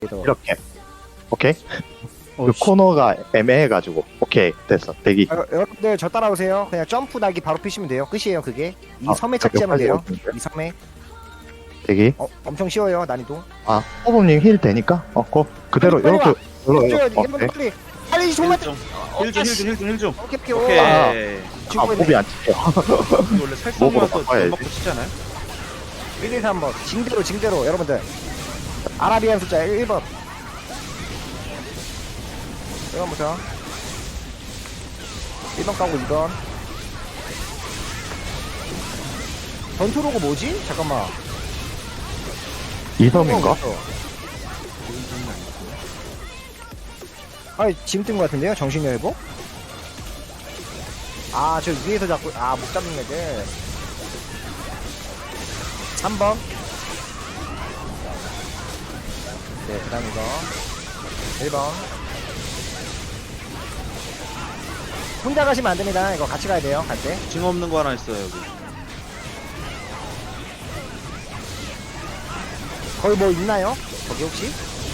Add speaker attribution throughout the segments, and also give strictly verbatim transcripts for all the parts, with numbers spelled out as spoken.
Speaker 1: 이렇게. 오케이.
Speaker 2: 어,
Speaker 1: 그 코너가 애매해가지고. 오케이, 됐어. 대기.
Speaker 3: 아, 여러분들 저 따라오세요. 그냥 점프 날기 바로 피시면 돼요. 끝이에요 그게. 이
Speaker 1: 아,
Speaker 3: 섬에 착지하면
Speaker 1: 여기까지
Speaker 3: 돼요.
Speaker 1: 오는데.
Speaker 3: 이 섬에.
Speaker 1: 대기.
Speaker 3: 어, 엄청 쉬워요 난이도.
Speaker 1: 아, 호범님 힐 되니까? 어, 고. 그대로,
Speaker 3: 빨리, 빨리
Speaker 1: 이렇게. 이렇게.
Speaker 3: 해줘요.
Speaker 1: 어,
Speaker 3: 여러분들
Speaker 1: 네.
Speaker 3: 빨리. 빨리 정말.
Speaker 4: 힐좀 힐좀 힐좀 힐좀
Speaker 3: 오케이 오케이.
Speaker 4: 오케이
Speaker 3: 아,
Speaker 1: 아,
Speaker 3: 죽고
Speaker 1: 호비
Speaker 3: 있네.
Speaker 1: 안 찍혀.
Speaker 4: 원래
Speaker 1: 목으로
Speaker 4: 살성이어서
Speaker 1: 바꿔야지.
Speaker 4: 먹고 치잖아요.
Speaker 3: 일, 이, 삼 번. 징대로 징대로 여러분들. 아라비안 숫자 일 번. 일 번부터. 일 번 까고 이 번. 전투로고 뭐지? 잠깐만.
Speaker 1: 이섬인가?
Speaker 3: 아, 지금 뜬 것 같은데요? 정신여행복? 아, 저 위에서 잡고, 아, 못 잡는 애들. 삼 번. 네, 그 다음 이거. 일 번. 혼자 가시면 안 됩니다. 이거 같이 가야 돼요, 갈 때.
Speaker 4: 징 없는 거 하나 있어요 여기.
Speaker 3: 거기 뭐 있나요? 거기 혹시?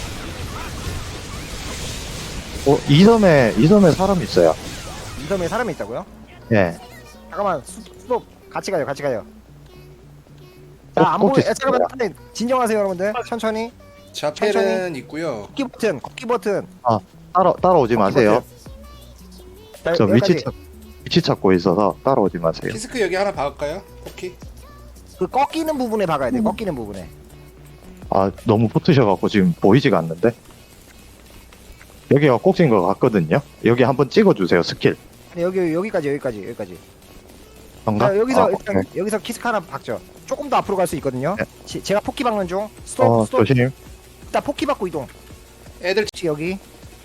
Speaker 1: 어, 이섬에, 이섬에 사람 있어요.
Speaker 3: 이 섬에 사람이 있다고요?
Speaker 1: 예.
Speaker 3: 잠깐만, 수, 수도 같이 가요, 같이 가요.
Speaker 1: 어,
Speaker 3: 자, 안 보여.
Speaker 1: 꼭지
Speaker 3: 야, 잠깐만, 진정하세요, 여러분들. 천천히.
Speaker 5: 자펠은 있고요.
Speaker 3: 걷기 버튼, 걷기 버튼.
Speaker 1: 따라, 따라오지 마세요.
Speaker 3: 자,
Speaker 1: 저 위치
Speaker 3: 여기까지.
Speaker 1: 찾, 위치 찾고 있어서 따라오지 마세요.
Speaker 5: 키스크 여기 하나 박을까요? 포키?
Speaker 3: 그 꺾이는 부분에 박아야 돼. 꺾이는 부분에.
Speaker 1: 아, 너무 붙으셔갖고 지금 보이지가 않는데? 여기가 꼭지인 것 같거든요? 여기 한번 찍어주세요, 스킬.
Speaker 3: 아니, 여기 여기까지 여기까지 여기까지.
Speaker 1: 뭔가?
Speaker 3: 자, 여기서
Speaker 1: 아,
Speaker 3: 일단
Speaker 1: 오케이.
Speaker 3: 여기서 키스크 하나 박죠. 조금 더 앞으로 갈 수 있거든요.
Speaker 1: 네.
Speaker 3: 지- 제가 포키 박는 중. 스톱
Speaker 1: 어,
Speaker 3: 스톱.
Speaker 1: 조심.
Speaker 3: 일단 포키 받고 이동.
Speaker 5: 애들
Speaker 3: 혹시 여기.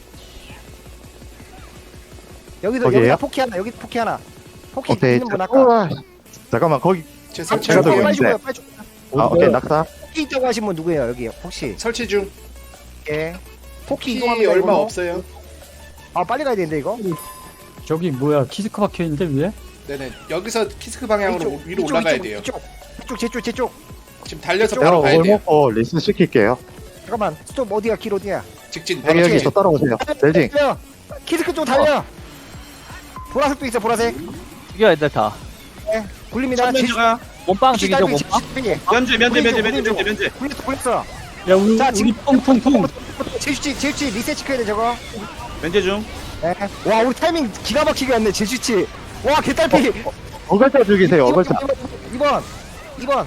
Speaker 3: 여기도
Speaker 1: 거기에요?
Speaker 3: 여기다 포키 하나. 여기 포키 하나. 포키
Speaker 1: 오케이.
Speaker 3: 있는 분
Speaker 1: 자,
Speaker 3: 아까.
Speaker 1: 우와. 잠깐만, 거기.
Speaker 5: 제
Speaker 3: 아,
Speaker 5: 설치
Speaker 1: 제가
Speaker 5: 중.
Speaker 1: 들고
Speaker 3: 빨리
Speaker 1: 있는데.
Speaker 3: 죽어요. 빨리 죽어요.
Speaker 1: 아, 오케이, 낙사.
Speaker 3: 포키 있다고 하신 분 누구예요? 여기 혹시.
Speaker 5: 설치 중.
Speaker 3: 예. 포키
Speaker 5: 키
Speaker 3: 이동합니다.
Speaker 5: 얼마
Speaker 3: 이걸로.
Speaker 5: 없어요.
Speaker 3: 아, 빨리 가야 되는데 이거.
Speaker 2: 저기 뭐야 키스크 박혀있는데 위에?
Speaker 5: 네네. 여기서 키스크 방향으로
Speaker 3: 이쪽,
Speaker 5: 위로
Speaker 3: 이쪽,
Speaker 5: 올라가야
Speaker 3: 이쪽,
Speaker 5: 돼요.
Speaker 3: 이쪽. 이쪽 제 쪽, 제 쪽.
Speaker 5: 지금 달려서
Speaker 1: 내가
Speaker 5: 바로 가야
Speaker 1: 오걸
Speaker 5: 돼요.
Speaker 1: 먹고 리스 시킬게요.
Speaker 3: 잠깐만. 스톱 어디야? 길 어디야?
Speaker 5: 직진.
Speaker 1: 여기,
Speaker 5: 바로
Speaker 1: 여기
Speaker 5: 직진.
Speaker 1: 저 따라오세요. 벨징.
Speaker 3: 달려. 키스크 쪽 달려. 보라색도 있어. 보라색.
Speaker 6: 죽여 애들 다
Speaker 3: 굴립니다. 제-
Speaker 4: 면제가
Speaker 6: 몸빵
Speaker 3: 혹시
Speaker 6: 죽이죠
Speaker 3: 딸기
Speaker 6: 몸빵
Speaker 3: 집중해.
Speaker 4: 면제 면제
Speaker 3: 우리
Speaker 4: 면제
Speaker 3: 쪽,
Speaker 4: 면제
Speaker 3: 우리 쪽.
Speaker 4: 면제 면제.
Speaker 3: 굴렸어. 굴렸어.
Speaker 2: 야 우리
Speaker 3: 자,
Speaker 2: 우리
Speaker 3: 지금
Speaker 2: 통통통
Speaker 3: 제주치, 제주치 리셋 시켜야 돼 저거.
Speaker 4: 면제 중.
Speaker 3: 네. 와, 우리 타이밍 기가 막히게 왔네. 제주치. 와, 개딸피.
Speaker 1: 어글자 죽이세요, 어글자.
Speaker 3: 이 번. 이 번.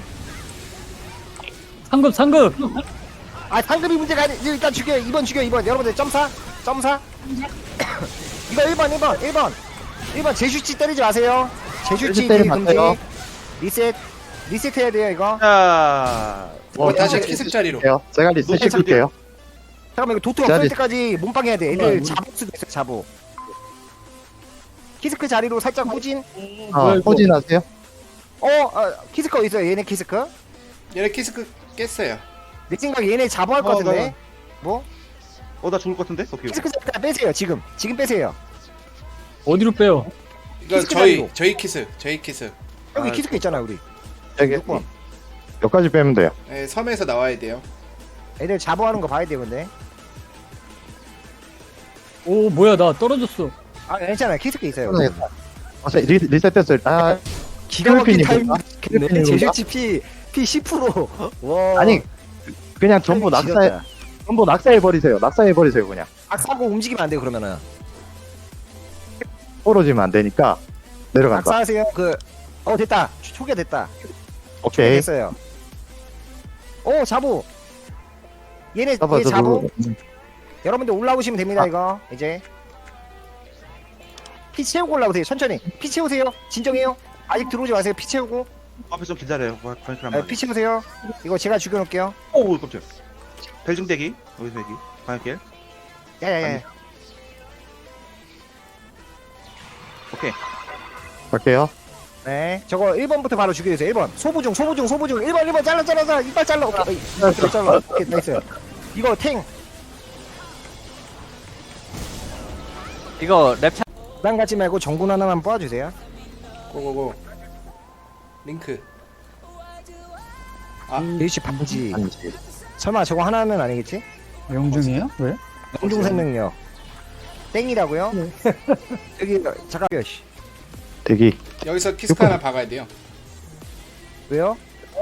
Speaker 2: 상급 상급
Speaker 3: 아, 상급이 문제가 아니. 일단 죽여. 이 번 죽여. 이 번. 여러분들 점사. 점사. 이거 일 번, 일 번, 일 번. 일 번 제주치 때리지 마세요. 제주치
Speaker 1: 제주 때리지
Speaker 3: 금지.
Speaker 1: 마세요.
Speaker 3: 리셋. 리셋 해야 돼요, 이거.
Speaker 4: 자.
Speaker 5: 어, 다시
Speaker 1: 어,
Speaker 5: 키스크 자리로.
Speaker 1: 해요. 제가 리스
Speaker 4: 노트
Speaker 1: 시킬게요.
Speaker 3: 잠깐만, 이거 도트
Speaker 1: 자,
Speaker 3: 없을
Speaker 1: 리-
Speaker 3: 때까지 몸빵 해야 돼. 애들 잡을 수도 있어, 잡어. 키스크 자리로 살짝 후진.
Speaker 1: 아,
Speaker 2: 뭐야, 이거?
Speaker 1: 호진하세요?
Speaker 3: 어, 어 키스크 어디 있어요? 얘네 키스크?
Speaker 5: 얘네 키스크 깼어요.
Speaker 3: 내 생각에 얘네 잡아할 것
Speaker 4: 어,
Speaker 3: 같은데.
Speaker 4: 나-
Speaker 3: 뭐?
Speaker 4: 어나 죽을 것 같은데? 오케이.
Speaker 3: 키스크 자리 빼세요, 지금. 지금 빼세요.
Speaker 2: 어디로 빼요?
Speaker 5: 이거
Speaker 3: 키스크
Speaker 5: 저희
Speaker 3: 자리로.
Speaker 5: 저희 키스. 저희 키스.
Speaker 3: 여기
Speaker 4: 아,
Speaker 3: 키스크 있잖아, 우리.
Speaker 1: 여기,
Speaker 3: 육 번.
Speaker 1: 여기까지 빼면 돼요.
Speaker 5: 네, 섬에서 나와야 돼요.
Speaker 3: 애들 잡아하는 거 봐야 돼, 근데.
Speaker 2: 오 뭐야 나 떨어졌어.
Speaker 3: 아, 괜찮아요. 키스크 있어요.
Speaker 1: 어, 리, 리셋 됐어요. 아,
Speaker 3: 기가 막힌 타이밍.
Speaker 1: 필리핀이구나.
Speaker 3: 네,
Speaker 1: 필리핀이구나.
Speaker 3: 제주치 피, 피 십 퍼센트. 와.
Speaker 1: 아니, 그냥 전부
Speaker 3: 타이밍
Speaker 1: 낙사해,
Speaker 3: 지렸다.
Speaker 1: 전부 낙사해버리세요. 낙사해버리세요, 그냥.
Speaker 3: 악사고 움직이면 안 돼요, 그러면은.
Speaker 1: 떨어지면 안 되니까. 내려간다.
Speaker 3: 악사하세요. 그, 어, 됐다. 초- 초기화 됐다.
Speaker 1: 오케이.
Speaker 3: 됐어요. 오, 자부. 얘네,
Speaker 1: 잡아,
Speaker 3: 얘 자부.
Speaker 1: 잡아.
Speaker 3: 여러분들 올라오시면 됩니다,
Speaker 1: 아.
Speaker 3: 이거. 이제. 피 채우고 올라오세요, 천천히. 피 채우세요. 진정해요. 아직 들어오지 마세요. 피 채우고.
Speaker 4: 앞에 좀 기다려요. 과연
Speaker 3: 아, 피 채우세요. 이거 제가 죽여놓을게요.
Speaker 4: 오 깜짝. 벨중 대기. 여기서 대기. 방역길.
Speaker 3: 야야야.
Speaker 4: 아니. 오케이.
Speaker 1: 갈게요.
Speaker 3: 네. 저거 일 번부터 바로 죽여주세요. 일 번. 소부중, 소부중, 소부중. 일 번, 일 번. 잘라, 잘라, 잘라. 이빨 잘라. 오케이. 이빨 잘라. 오케이, 나이스. 이거 탱.
Speaker 6: 이거 랩차
Speaker 3: 부담 갖지 말고 정군 하나만 뽑아주세요.
Speaker 5: 고고고. 링크.
Speaker 3: 일시 반지.
Speaker 1: 아니지.
Speaker 3: 설마 저거 하나는 아니겠지?
Speaker 2: 영중이에요? 왜?
Speaker 3: 영중 생명력. 땡이라고요?
Speaker 2: 네.
Speaker 3: 여기 잠깐만요. 씨.
Speaker 1: 대기.
Speaker 5: 여기서 키스크 하나 박아야 돼요.
Speaker 3: 왜요?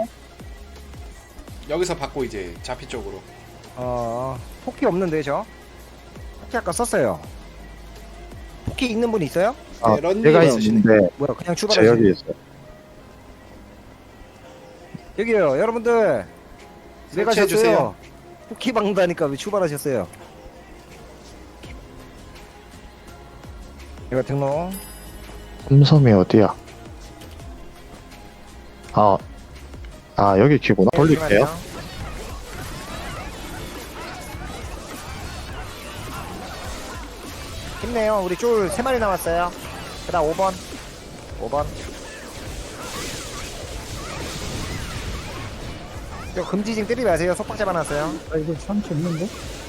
Speaker 5: 여기서 받고 이제 자피 쪽으로.
Speaker 3: 어 포키 없는데 저. 포키 아까 썼어요. 포키 있는 분 있어요?
Speaker 1: 아,
Speaker 5: 네, 런닝
Speaker 1: 제가
Speaker 5: 있으시네.
Speaker 1: 있는데
Speaker 3: 뭐야 그냥
Speaker 1: 제
Speaker 3: 출발하세요.
Speaker 1: 여기 있어요.
Speaker 3: 여기요 여러분들. 왜
Speaker 5: 설치해 주세요.
Speaker 3: 가셨어요? 포키 박는다니까 왜 출발하셨어요? 이거 등록.
Speaker 1: 삼섬이 어디야? 아, 아 여기 키구나. 돌릴게요.
Speaker 3: 힘내요. 우리 쫄 세 마리 남았어요. 그다음 오 번. 오 번. 저 금지징 때리지 마세요. 속박 잡아놨어요.
Speaker 2: 아, 이거 상처 없는데?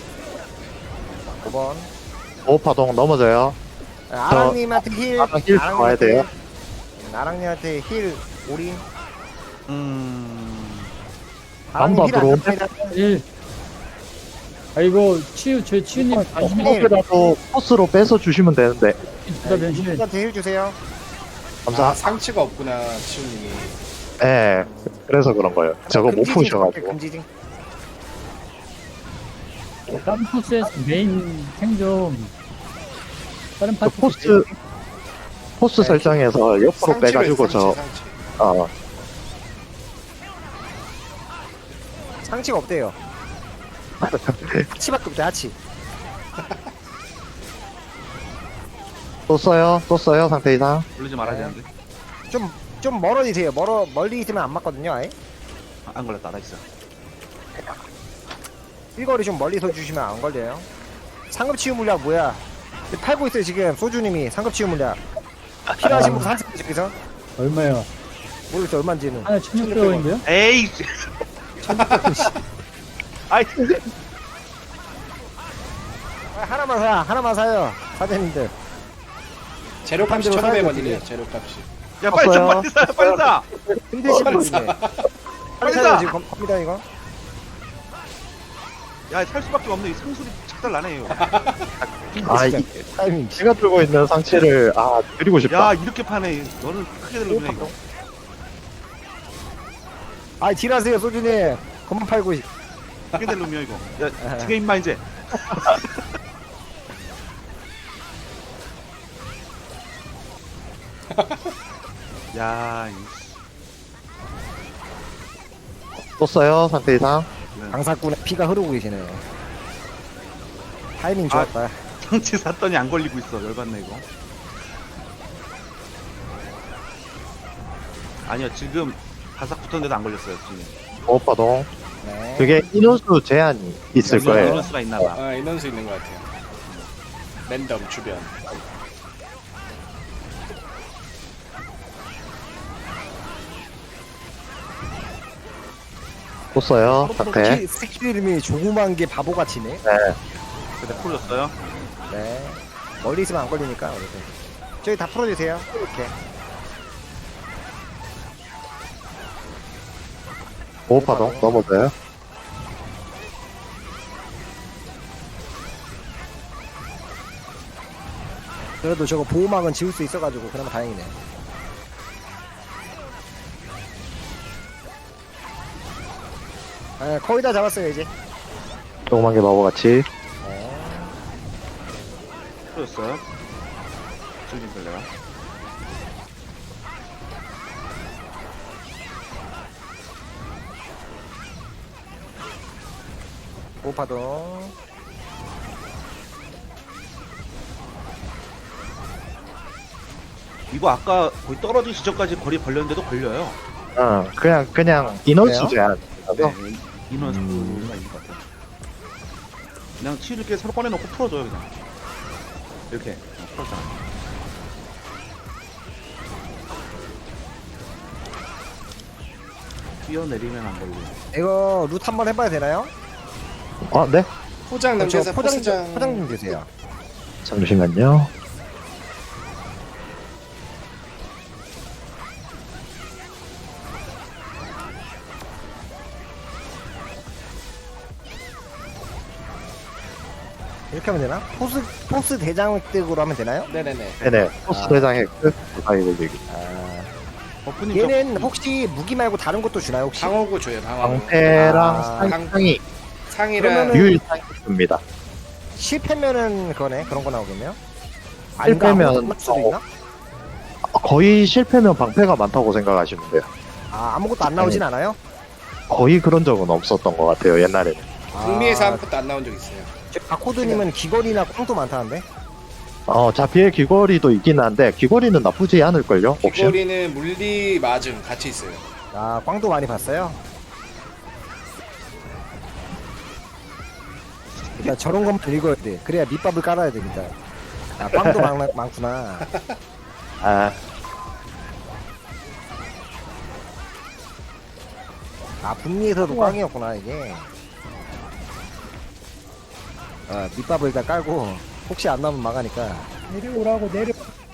Speaker 3: 오 번.
Speaker 1: 오파동 넘어져요.
Speaker 3: 아랑님한테 힐.
Speaker 1: 아랑 힐
Speaker 3: 아랑님한테
Speaker 1: 좋아야 돼요.
Speaker 3: 힐. 아랑님한테 힐. 올인.
Speaker 4: 음.
Speaker 3: 아랑님 힐
Speaker 1: 앞으로.
Speaker 3: 안 됩니다.
Speaker 2: 일. 아, 이거 치유, 저 치유님 관심
Speaker 3: 힐.
Speaker 1: 이렇게라도 코스로 빼서 주시면 되는데.
Speaker 2: 있다, 변신.
Speaker 3: 이분한테 힐 주세요.
Speaker 1: 감사.
Speaker 5: 아, 상치가 없구나 치우님이.
Speaker 1: 예. 네, 그래서 그런 거예요. 저거 못
Speaker 3: 금지징
Speaker 1: 푸셔가지고.
Speaker 3: 금지징.
Speaker 2: 다른 코스에서 메인 생존. 다른
Speaker 1: 그
Speaker 2: 파트
Speaker 1: 포스 포스
Speaker 3: 네.
Speaker 1: 설정에서 옆으로
Speaker 5: 상치가
Speaker 1: 빼가지고
Speaker 5: 있어,
Speaker 1: 저
Speaker 5: 상치, 상치.
Speaker 1: 어,
Speaker 3: 상치가 없대요. 하치밖에 없대 하치.
Speaker 1: 또 써요, 또 써요 상태 이상.
Speaker 4: 올리지 말아야
Speaker 3: 네.
Speaker 4: 되는데.
Speaker 3: 좀 좀 멀어지세요. 멀어 멀리 있으면 안 맞거든요. 아예.
Speaker 4: 아, 안 걸렸다. 나 있어.
Speaker 3: 일거리 좀 멀리서 주시면 안 걸려요. 상급 치유 물약 뭐야? 팔고 있어요 지금 소주님이 상급 치유 물약. 필요하신 분 사세요 저기서.
Speaker 2: 얼마야?
Speaker 3: 모르겠어 얼마인지는.
Speaker 2: 하나 천육백 원인데요?
Speaker 4: 에이. 아이.
Speaker 3: 아, 하나만 사 하나만 사요 사장님들.
Speaker 5: 재료값이
Speaker 3: 한 대로
Speaker 5: 천오백
Speaker 3: 사야
Speaker 5: 원이래요.
Speaker 3: 되지.
Speaker 5: 재료값이.
Speaker 4: 야 빨리 사,
Speaker 1: 없어요.
Speaker 4: 빨리 사, 빨리 사.
Speaker 3: 힘드신
Speaker 5: 빨리
Speaker 3: 분이네.
Speaker 5: 사.
Speaker 3: 빨리
Speaker 4: 빨리
Speaker 3: 사요
Speaker 4: 사.
Speaker 3: 지금 겁- 겁니다 이거.
Speaker 4: 야, 살 수밖에 없네. 이 상술이 착달 나네요.
Speaker 1: 아, 이,
Speaker 3: 타이밍.
Speaker 1: 제가 들고 있는 상체를 아 드리고 싶다.
Speaker 4: 야, 이렇게 파네. 너는 크게 들렸네 이거.
Speaker 3: 아 딜하세요 소주님. 그만 팔고. 있-
Speaker 4: 크게 들렸냐 이거. 야, 두개 임마 이제. 야, 이
Speaker 1: 또 써요 상태 이상.
Speaker 3: 강사꾼의 피가 흐르고 계시네요. 타이밍 좋았다.
Speaker 4: 상치 샀더니 안 걸리고 있어. 열받네 이거. 아니요, 지금 바삭 붙었는데도 안 걸렸어요, 지금.
Speaker 1: 오파동.
Speaker 3: 네.
Speaker 1: 그게 인원수 제한이 있을
Speaker 5: 맞아요.
Speaker 1: 거예요.
Speaker 4: 이럴 수가 있나 봐.
Speaker 5: 아 인원수 있는 것 같아요. 랜덤 주변.
Speaker 1: 또 써요 상태.
Speaker 3: 스킬, 스킬 이름이 조그만 게 바보같이네.
Speaker 1: 네.
Speaker 4: 근데 풀렸어요.
Speaker 3: 네. 멀리 있으면 안 걸리니까 어쨌든. 저기 다 풀어주세요. 이렇게.
Speaker 1: 오파동 넘어져요.
Speaker 3: 그래도 저거 보호막은 지울 수 있어가지고 그나마 다행이네. 네, 거의 다 잡았어요 이제.
Speaker 1: 조그만 게 바보같이.
Speaker 4: 풀렸어요. 지금 걸려요.
Speaker 3: 오파동.
Speaker 4: 이거 아까 거의 떨어지기 전까지 거리 벌렸는데도 걸려요.
Speaker 1: 어, 그냥 그냥 인원수
Speaker 3: 그래요?
Speaker 1: 제한.
Speaker 4: 네, 인원 수가 있는 것 같아요. 그냥 치를 이렇게 서로 꺼내놓고 풀어줘요 그냥. 이렇게 어, 풀었잖아. 뛰어내리면 안 걸려.
Speaker 3: 이거 룻 한번 해봐야 되나요?
Speaker 1: 아 네.
Speaker 5: 포장
Speaker 3: 저
Speaker 5: 남겨서
Speaker 3: 포장
Speaker 5: 포장.
Speaker 3: 포장 좀 주세요.
Speaker 1: 잠시만요.
Speaker 3: 이렇게 하면 되나? 포스 포스 대장 획득으로 하면 되나요?
Speaker 5: 네네네.
Speaker 1: 네네. 포스
Speaker 3: 아.
Speaker 1: 대장의 끝. 가위 걸리기.
Speaker 3: 아,
Speaker 4: 버프님
Speaker 3: 얘는 혹시 무기 말고 다른 것도 주나요 혹시?
Speaker 5: 방어구 줘요, 방어구.
Speaker 1: 방패랑
Speaker 3: 아.
Speaker 1: 상상이
Speaker 5: 상이랑
Speaker 3: 그러면은-
Speaker 1: 유일상이 있습니다.
Speaker 3: 실패면은 그거네 그런 거 나오겠네요?
Speaker 1: 실패면
Speaker 3: 아무것도 수도 있나?
Speaker 1: 거의 실패면 방패가 많다고 생각하시면 돼요.
Speaker 3: 아 아무것도 안 나오진 않아요?
Speaker 1: 거의 그런 적은 없었던 것 같아요, 옛날에는.
Speaker 5: 북미에서
Speaker 3: 아,
Speaker 5: 아무것도 안 나온 적 있어요.
Speaker 3: 저 바코드님은 귀걸이나 꽝도 많다는데?
Speaker 1: 어, 자피의 귀걸이도 있긴 한데, 귀걸이는 나쁘지 않을걸요? 옵션?
Speaker 5: 귀걸이는 물리 맞음 같이 있어요.
Speaker 3: 아 꽝도 많이 봤어요? 일단 저런 것만 읽어야 돼. 그래야 밑밥을 깔아야 됩니다. 아 꽝도 많, 많구나.
Speaker 1: 아,
Speaker 3: 아 북미에서도 꽝이었구나 이게. 아 밑밥을 일단 깔고 혹시 안 나오면 망하니까.
Speaker 2: 내려오라고 내려.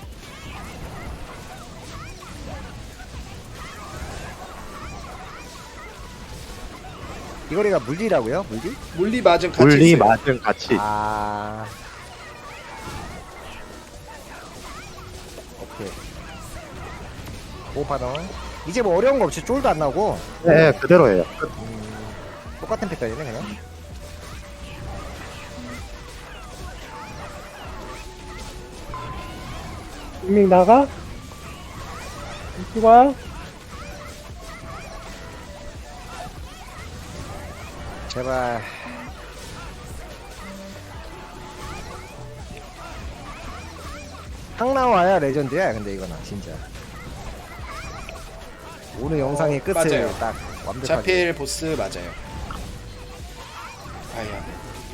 Speaker 3: 귀걸이가 물리라고요? 물리?
Speaker 5: 물리 맞음 같이
Speaker 1: 물리
Speaker 5: 있어요.
Speaker 1: 맞은 같이.
Speaker 3: 아. 오케이. 오 파동. 이제 뭐 어려운 거 없이 쫄도 안 나오고
Speaker 1: 네, 그대로예요.
Speaker 3: 음, 똑같은 패턴이네 그냥.
Speaker 2: 분명 나가. 이쪽아.
Speaker 3: 제발. 항 나와야 레전드야 근데 이거는 진짜. 오늘 영상의 끝을
Speaker 5: 맞아요.
Speaker 3: 딱 완벽하게.
Speaker 5: 자필 보스 맞아요. 아야.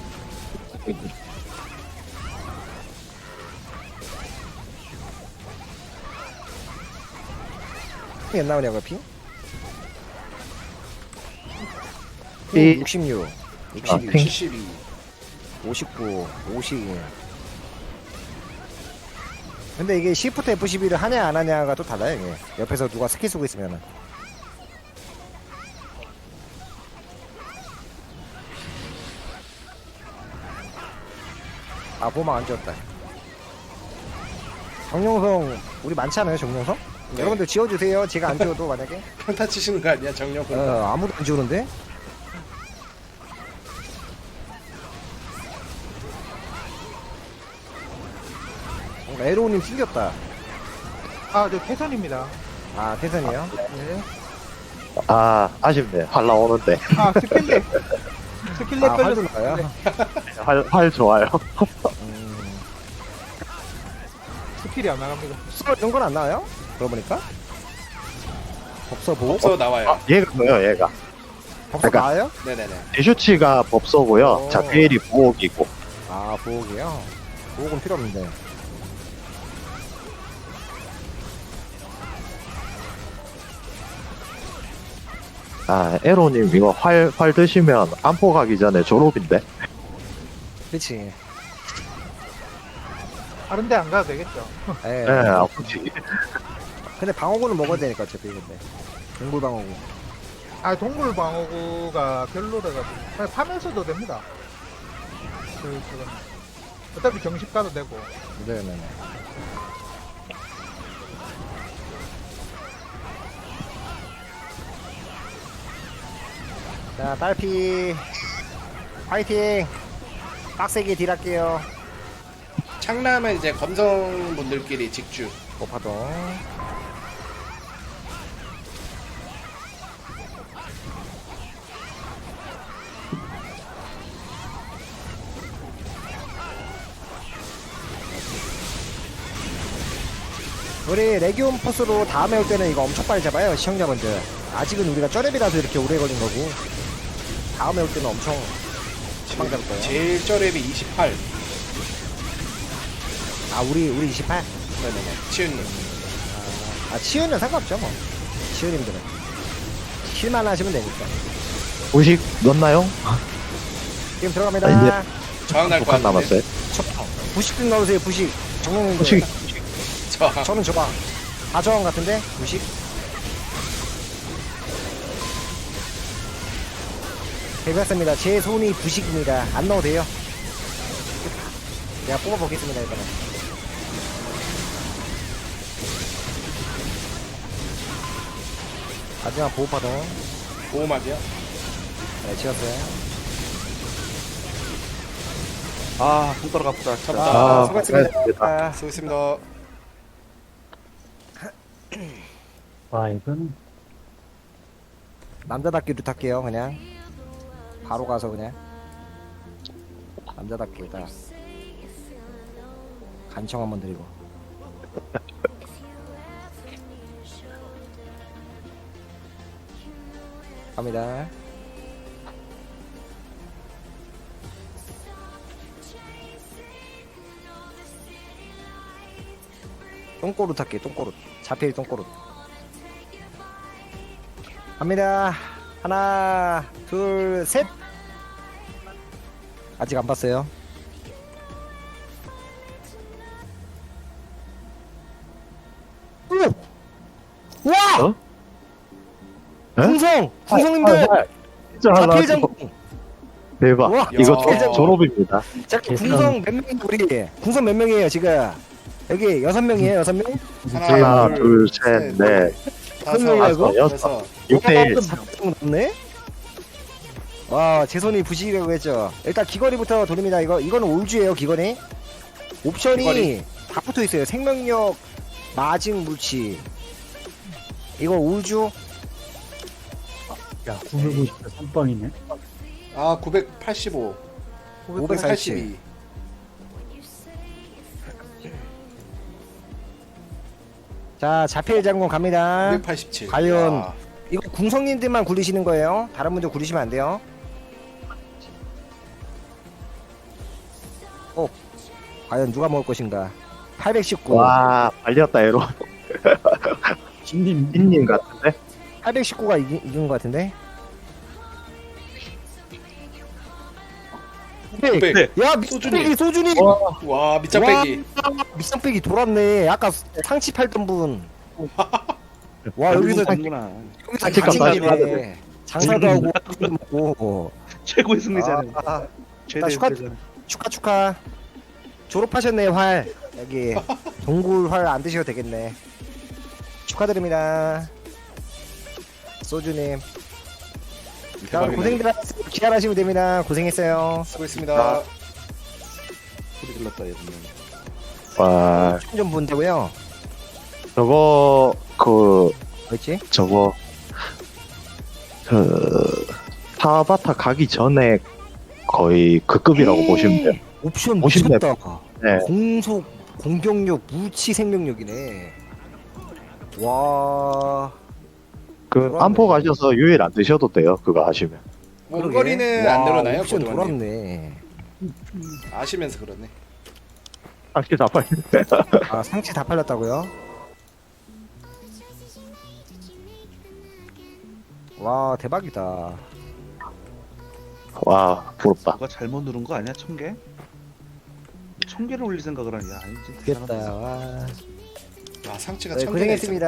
Speaker 3: 피 안 나오냐고 피?
Speaker 1: 이-
Speaker 3: 육십육,
Speaker 1: 아,
Speaker 3: 육십육,
Speaker 1: 핑.
Speaker 5: 칠십이.
Speaker 3: 오십구, 오십. 근데 이게 시프트 에프 십이를 하냐 안 하냐가 또 달라요 이게. 옆에서 누가 스킬 쓰고 있으면은. 아 보막 안 지웠다. 정용성 우리 많지 않아요 정용성?
Speaker 5: 네.
Speaker 3: 여러분들 지워주세요. 제가 안 지워도 만약에.
Speaker 5: 평타 치시는 거 아니야, 정령 평타.
Speaker 3: 어, 아무도 안 지우는데? 어, 에로우님 튕겼다.
Speaker 6: 아, 저 태선입니다.
Speaker 3: 아, 태선이요?
Speaker 6: 네.
Speaker 1: 아, 아쉽네. 활 나오는데.
Speaker 6: 아, 스킬렉. 스킬렉
Speaker 3: 아,
Speaker 6: 걸려.
Speaker 3: 활도 나와요?
Speaker 1: 활, 활 좋아요.
Speaker 3: 음,
Speaker 6: 스킬이 안 나갑니다.
Speaker 3: 법서 이런 건 안 나와요? 그러고 보니까? 법서 보호?
Speaker 5: 없어 나와요.
Speaker 1: 얘가 뭐예요, 얘가?
Speaker 3: 법서
Speaker 1: 그러니까-
Speaker 3: 나와요?
Speaker 5: 네네네.
Speaker 1: 디슈치가 법서고요.
Speaker 3: 오.
Speaker 1: 자피엘이 보호기고.
Speaker 3: 아, 보호기요? 보호는 필요 없는데.
Speaker 1: 아, 에로님 이거 활, 활 드시면 안포 가기 전에 졸업인데?
Speaker 3: 그치.
Speaker 6: 다른 데 안 가도 되겠죠.
Speaker 3: 예.
Speaker 1: 예, 네, 아프지.
Speaker 3: 근데 방어구는 먹어야 되니까, 어차피, 근데. 동굴 방어구.
Speaker 6: 아, 동물 방어구가 별로라가지고. 그냥 파면서도 됩니다. 그, 그건. 어차피 정식 가도 되고.
Speaker 3: 네네네. 자, 딸피. 화이팅! 빡세게 딜할게요.
Speaker 5: 창남은 이제 검성분들끼리 직주.
Speaker 3: 오파동. 우리 레기온 포스로 다음에 올 때는 이거 엄청 빨리 잡아요 시청자분들. 아직은 우리가 쩌렙이라서 이렇게 오래 걸린 거고 다음에 올 때는 엄청 금방 잡을 거예요.
Speaker 5: 제일 쩌랩이 이십팔.
Speaker 3: 아 우리 우리 이십팔?
Speaker 5: 네네네. 치윤님.
Speaker 3: 아 치유는 상관없죠 뭐. 치유님들은 킬만 하시면 되니까.
Speaker 1: 우식 넣나요?
Speaker 3: 지금 들어갑니다.
Speaker 1: 아,
Speaker 5: 저항 날것
Speaker 1: 북한
Speaker 5: 같은데.
Speaker 1: 남았어요.
Speaker 3: 저, 부식 좀 넣으세요 부식. 정령님들.
Speaker 1: 우식,
Speaker 5: 저항.
Speaker 3: 저는 저거 다 저항 같은데 부식. 해봤습니다. 제 손이 부식입니다. 안 넣어도 돼요. 제가 뽑아보겠습니다 이번에. 마지막 보호파동.
Speaker 5: 보호막이요?
Speaker 3: 네, 지었어요.
Speaker 4: 아 손가락 아프다.
Speaker 5: 잡다.
Speaker 1: 아,
Speaker 3: 수고하셨습니다.
Speaker 1: 고생하셨습니다.
Speaker 5: 수고했습니다.
Speaker 2: 와, 이건.
Speaker 3: 남자답게 루탈게요 그냥. 바로 가서 그냥. 남자답게 일단. 간청 한번 드리고. 갑니다. 똥꼬루 할게 똥꼬루. 자필 똥꼬루. 갑니다. 하나, 둘, 셋. 아직 안 봤어요. 오! 와!
Speaker 1: 어? 에?
Speaker 3: 궁성! 궁성님들!
Speaker 1: 진짜
Speaker 3: 자필
Speaker 1: 하나
Speaker 3: 장군!
Speaker 1: 대박.
Speaker 3: 와,
Speaker 1: 이거
Speaker 5: 야.
Speaker 1: 조- 졸업입니다.
Speaker 3: 자, 궁성 몇 명이에요, 우리? 궁성 몇 명이에요, 지금? 여기 여섯 명이에요, 여섯 명?
Speaker 1: 하나, 둘, 셋, 넷,
Speaker 5: 다섯,
Speaker 3: 명이라고?
Speaker 5: 여섯.
Speaker 1: 육 대 일.
Speaker 3: 넘네? 와, 제 손이 부시라고 했죠. 일단 귀걸이부터 돌립니다. 이거 이거는 올주예요, 귀걸이. 옵션이
Speaker 5: 귀걸이.
Speaker 3: 다 붙어 있어요. 생명력, 마징 물치. 이거 올주.
Speaker 2: 야, 구백오십대 삼 번이네.
Speaker 5: 아, 구백팔십오. 오백팔십이.
Speaker 3: 자, 자필 장군 갑니다.
Speaker 5: 구백팔십칠.
Speaker 3: 과연
Speaker 5: 와.
Speaker 3: 이거 궁성님들만 굴리시는 거예요. 다른 분들 굴리시면 안 돼요. 어, 과연 누가 먹을 것인가? 팔백십구.
Speaker 1: 와, 발렸다, 에로.
Speaker 2: 진님,
Speaker 1: 빈님 같은데?
Speaker 3: 팔백십구가 이기, 이긴 것 같은데?
Speaker 5: 구백.
Speaker 3: 야,
Speaker 5: 소준이.
Speaker 3: 밑장빼기 소준이!
Speaker 5: 와, 밑장빼기.
Speaker 3: 밑장빼기 돌았네. 아까 상치 팔던 분. 와, 여기서,
Speaker 4: 구나
Speaker 3: 여기서
Speaker 1: 상치값
Speaker 3: 장사네. 장사도 하고, 술도 먹고.
Speaker 4: 최고의 승리자는
Speaker 3: 아, 아,
Speaker 4: 최대
Speaker 3: 축하-
Speaker 4: 승리자는.
Speaker 3: 축하, 축하. 졸업하셨네, 활. 여기. 동굴 활 안 드셔도 되겠네. 축하드립니다. 소주님. 자,
Speaker 5: 대박이네.
Speaker 3: 고생들 하셨어요. 기한하시면 됩니다. 고생했어요.
Speaker 5: 수고했습니다.
Speaker 4: 소리 질렀다 얘는.
Speaker 1: 와,
Speaker 3: 좀 본다고요?
Speaker 1: 저거, 그,
Speaker 3: 뭐였지?
Speaker 1: 저거, 그, 타바타 가기 전에 거의 그 급이라고 보시면 돼요.
Speaker 3: 옵션
Speaker 1: 오십 렙.
Speaker 3: 미쳤다.
Speaker 1: 네.
Speaker 3: 공속, 공격력, 무치 생명력이네. 와.
Speaker 1: 그,
Speaker 3: 그러네.
Speaker 1: 안포 가셔서 유일 안 드셔도 돼요. 그거 하시면.
Speaker 5: 원거리는
Speaker 3: 와,
Speaker 5: 안 늘어나요,
Speaker 3: 옵션
Speaker 5: 고등어님?
Speaker 3: 돌았네.
Speaker 5: 아시면서 그러네.
Speaker 1: 상치 다 팔.
Speaker 3: 아, 상체 다 팔렸다고요? 와, 대박이다.
Speaker 1: 와, 부럽다.
Speaker 4: 누가 잘못 누른 거 아니야? 천 개? 천 개를 올릴 생각을 하냐? 아니지.
Speaker 3: 됐다. 와.
Speaker 5: 아, 상체가
Speaker 3: 네,
Speaker 5: 천 개나 있어.
Speaker 3: 고생했습니다.